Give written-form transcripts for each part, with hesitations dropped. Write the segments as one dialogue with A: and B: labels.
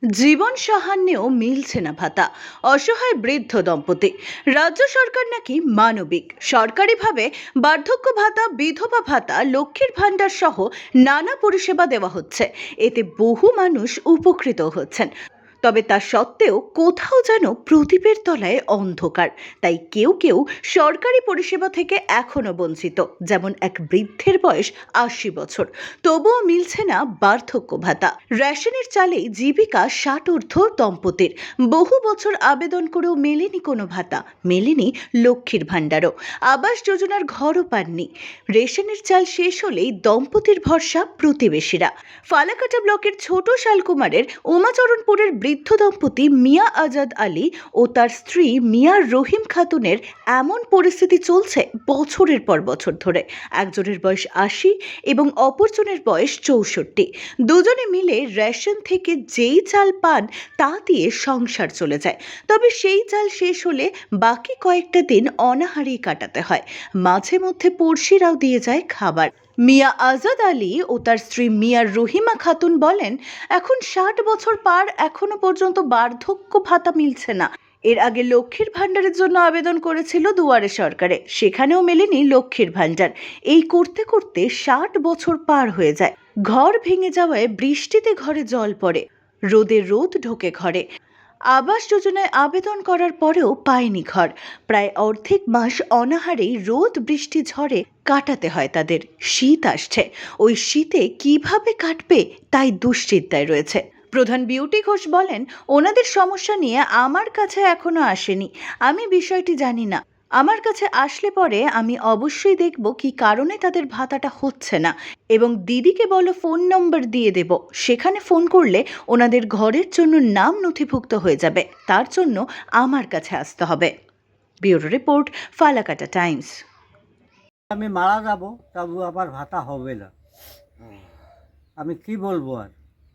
A: জীবন সাহান্যেও মিলছে না ভাতা, অসহায় বৃদ্ধ দম্পতি। রাজ্য সরকার নাকি মানবিক, সরকারিভাবে বার্ধক্য ভাতা, বিধবা ভাতা, লক্ষ্মীর ভাণ্ডার সহ নানা পরিষেবা দেওয়া হচ্ছে। এতে বহু মানুষ উপকৃত হচ্ছেন, তবে তা সত্ত্বেও কোথাও যেন প্রদীপের তলায় অন্ধকার। তাই কেউ কেউ সরকারি পরিষেবা থেকে এখনো বঞ্চিত, যেমন এক বৃদ্ধের বয়স ৮০ বছর, তবুও মিলছে না বার্ধক্য ভাতা। রেশনের চালেই জীবিকা ৬০ ঊর্ধ্ব দম্পতির, বহু বছর আবেদন করেও মেলেনি কোনো ভাতা, মেলেনি লক্ষ্মীর ভাণ্ডারও, আবাস যোজনার ঘরও পাননি। রেশনের চাল শেষ হলেই দম্পতির ভরসা প্রতিবেশীরা। ফালাকাটা ব্লকের ছোট শালকুমারের উমাচরণপুরের বৃদ্ধ দম্পতি মিয়া আজাদ আলী ও তার স্ত্রী মিয়া রহিম খাতুনের এমন পরিস্থিতি চলছে বছরের পর বছর ধরে। একজনের বয়স ৮০ এবং অপরজনের বয়স ৬৪। দুজনে মিলে রেশন থেকে যেই চাল পান তা দিয়ে সংসার চলে যায়, তবে সেই চাল শেষ হলে বাকি কয়েকটা দিন অনাহারেই কাটাতে হয়। মাঝে মধ্যে পড়শিরাও দিয়ে যায় খাবার। মিয়া আজাদ আলী ও তার স্ত্রী মিয়া রহিমা খাতুন বলেন, এখন ৬০ বছর পার, এখনো পর্যন্ত বার্ধক্য ভাতা মিলছে না। এর আগে লক্ষ্মীর ভাণ্ডারের জন্য আবেদন করেছিল দুয়ারে সরকারে, সেখানেও মেলেনি লক্ষ্মীর ভাণ্ডার। এই করতে করতে ৬০ বছর পার হয়ে যায়। ঘর ভেঙে যাওয়ায় বৃষ্টিতে ঘরে জল পড়ে, রোদে রোদ ঢোকে ঘরে। আবাস যোজনায় আবেদন করার পরেও পায়নি ঘর। প্রায় অর্ধেক মাস অনাহারেই রোদ বৃষ্টি ঝড়ে কাটাতে হয় তাদের। শীত আসছে, ওই শীতে কিভাবে কাটবে তাই দুশ্চিন্তায় রয়েছে। প্রধান বিউটি ঘোষ বলেন, ওনাদের সমস্যা নিয়ে আমার কাছে এখনো আসেনি, আমি বিষয়টি জানি না। আমার কাছে আসলে পরে আমি অবশ্যই দেখব কি কারণে তাদের ভাতাটা হচ্ছে না, এবং দিদিকে বলো ফোন নম্বর দিয়ে দেব, সেখানে ফোন করলে ওনাদের ঘরের জন্য নাম নথিভুক্ত হয়ে যাবে, তার জন্য আমার কাছে আসতে হবে। Bureau report, Falakata Times.
B: আমি মারা যাব, তবু আবার ভাতা হবে না। আমি কি বলবো আর।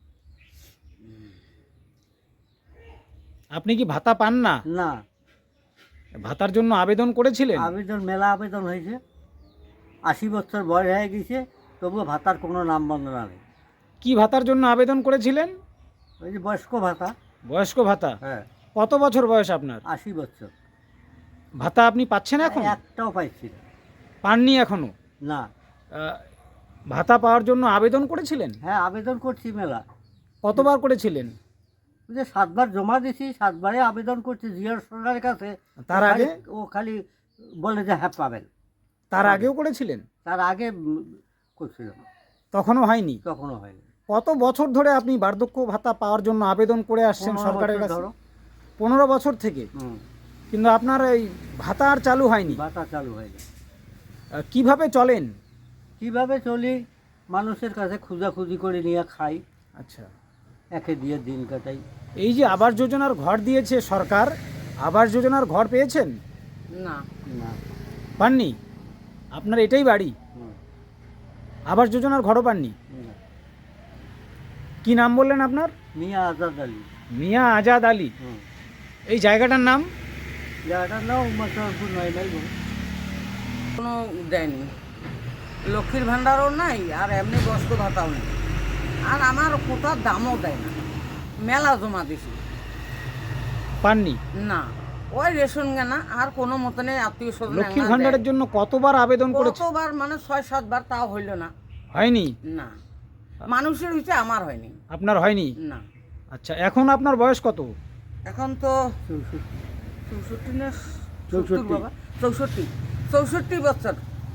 C: আপনি কি ভাতা পান না?
B: না,
C: ভাতার জন্য আবেদন করেছিলেন?
B: মেলা আবেদন হয়েছে, ৮০ বছর বয়স হয়ে গেছে, তবুও ভাতার কোনো নাম বন্দনা নেই।
C: কি ভাতার জন্য আবেদন করেছিলেন?
B: ওই যে বয়স্ক ভাতা।
C: বয়স্ক ভাতা?
B: হ্যাঁ।
C: কত বছর বয়স আপনার?
B: ৮০ বছর।
C: ভাতা আপনি পাচ্ছেন এখন?
B: একটাও পাইছি না।
C: পাননি এখনো?
B: না।
C: ভাতা পাওয়ার জন্য আবেদন করেছিলেন?
B: হ্যাঁ, আবেদন করছি মেলা।
C: কতবার করেছিলেন?
B: ওই যে ৭ বার জমা দিছি, ৭ বারে আবেদন করছি জিয়া সরকারের কাছে।
C: তার আগে?
B: ও খালি বলে যে হ্যাঁ পাবেন।
C: তার আগেও করেছিলেন?
B: তার আগে করছিলাম,
C: তখনও হয়নি?
B: তখনও হয়নি।
C: কত বছর ধরে আপনি বার্ধক্য ভাতা পাওয়ার জন্য আবেদন করে আসছেন
B: ১৫
C: সরকারের
B: বছর
C: কাছে?
B: ধরো।
C: ১৫ বছর থেকে? কিন্তু আপনার এই ভাতা আর চালু হয়নি?
B: ভাতা চালু হয়নি।
C: কিভাবে চলেন?
B: কিভাবে চলি, মানুষের কাছে খোঁজাখুঁজি করে নিয়ে খাই,
C: আচ্ছা।
B: একে দিয়ে দিন কাটাই।
C: এই যে আবাস যোজনার ঘর দিয়েছে সরকার, আবাস যোজনার ঘর পেয়েছেন?
B: না। না।
C: পাননি? আপনার এটাই বাড়ি? আবাস যোজনার ঘরও পাননি?
B: না।
C: কি নাম বললেন আপনার?
B: মিয়া আজাদ আলী।
C: মিয়া আজাদ আলী। এই জায়গাটার নাম?
B: জায়গাটার নাম উমাচরণপুর, ৯ মাইল।
D: কোনো দেয়নি, লক্ষ্মীর ভাণ্ডারও নাই, আর এমনি বয়স্ক ভাতাও নেই, আর আমার কোথাও দামও দেয় না। মেলা জমা দিছি,
C: পাননি?
D: না। ওই রেশন কেনা, আর কোনো মতনে আত্মীয় স্বজন
C: লক্ষ্মীর ভাণ্ডারের জন্য কতবার আবেদন করেছে?
D: কতবার, মানে ৬-৭ বার, তাও হইল না।
C: হয়নি?
D: না, মানুষের হয়েছে, আমার হয়নি।
C: আপনার হয়নি?
D: না।
C: আচ্ছা, এখন আপনার বয়স কত?
D: এখন তো 64 না 70 বাবা, 64 বছর।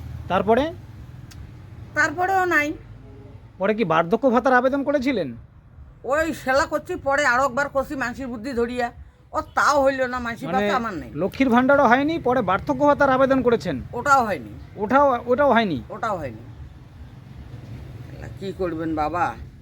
D: তারপরেও নাই।
C: পরে কি বার্ধক্য ভাতার আবেদন করেছিলেন?
D: ওই সেলা করছি, পরে আরো একবার করছি মানসির বুদ্ধি ধরিয়া, ও তাও হইল না। মানসির
C: মানে
D: পাশে আমার নেই।
C: লক্ষ্মীর ভাণ্ডারও হয়নি, পরে বার্ধক্য ভাতার আবেদন করেছেন?
D: ওটাও হয়নি।
C: ওটাও হয়নি?
D: ওটাও হয়নি। কি করবেন বাবা।